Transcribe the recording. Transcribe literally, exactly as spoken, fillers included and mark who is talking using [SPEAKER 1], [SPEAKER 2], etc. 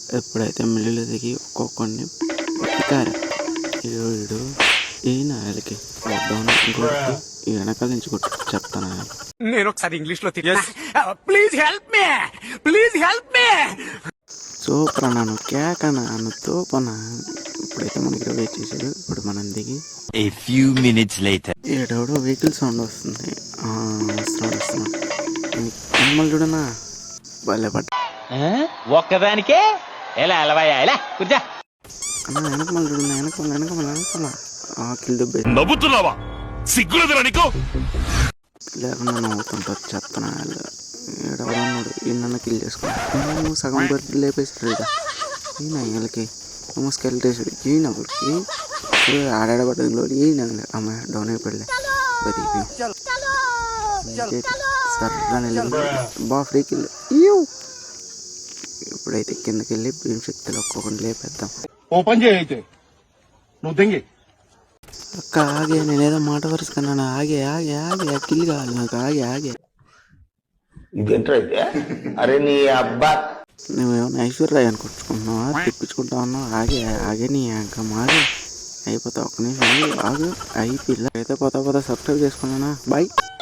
[SPEAKER 1] ఎప్పుడైతే మిల్లులో దిగి ఒక్కొక్కడిని ఎక్కారు వీడు ఈయన వాళ్ళకి లాక్డౌన్ కొడుతూ ఈ వెనకాల నుంచి కొట్టు చెప్తాను.
[SPEAKER 2] నేను ఒకసారి ఇంగ్లీష్ లో please help me please help me
[SPEAKER 1] super అన్నాను క్యాక్ అన్నాను తోపనా. ఇప్పుడైతే మనకి వెయిట్ చేశాడు. ఇప్పుడు మనం దిగి
[SPEAKER 3] A few minutes later.
[SPEAKER 1] ఏడవడో వెహికల్ సౌండ్ వస్తుంది. వస్తున్నాడు వస్తున్నాడు మిమ్మల్ని చూడనా భలే పట్ట
[SPEAKER 3] ఒక్కదానికే ఎలా అలవాయా ఎలా కూర్చో
[SPEAKER 1] అన్న వెనక మళ్ళీ చూడన్నా వెనక మళ్ళీ వెనక మళ్ళీ వెనక కిల్ దుబ్బే
[SPEAKER 4] నవ్వుతున్నావా? సిగ్గులేదురా నీకు?
[SPEAKER 1] లేకుండా నవ్వుతుంటారు చెప్తాను. వాళ్ళు ఏడవడన్నాడు ఈయన కిల్ చేసుకున్నాను. సగం బర్రె లేపేసాడు ఇక ఈయన వీళ్ళకి ఏమో స్కెల్టేసాడు ఈయన ఒకరికి ఆడాడబడ్డలో ఈయన అమ్మ డౌన్ అయిపోయలే బతికి సర్రా బా ఫ్రీ కిల్. ఇప్పుడైతే కిందకి వెళ్ళి భీమ్ శక్తిలో ఒక్కొక్కటి లేపేద్దాం.
[SPEAKER 4] ఓపెన్ చేయైతే నువ్వు దెంగి
[SPEAKER 1] అక్క ఆగే నేనేదో మాట వరుసుకున్నాను. ఆగే ఆగే ఆగే కిల్ కావాలి నాకు ఆగే ఆగే.
[SPEAKER 5] ఇదేంటైతే అరే నీ అబ్బా
[SPEAKER 1] నువ్వేమన్నా ఐశ్వర్య అనుకుంటున్నావా తెప్పించుకుంటా ఉన్నావు. ఆగే ఆగే నీ అంకం ఆగే అయిపోతావు. ఒక నిమిషం ఆగు అయి పిల్ల అయితే పోతా పోతా సబ్స్క్రైబ్ చేసుకున్నానా బాయ్.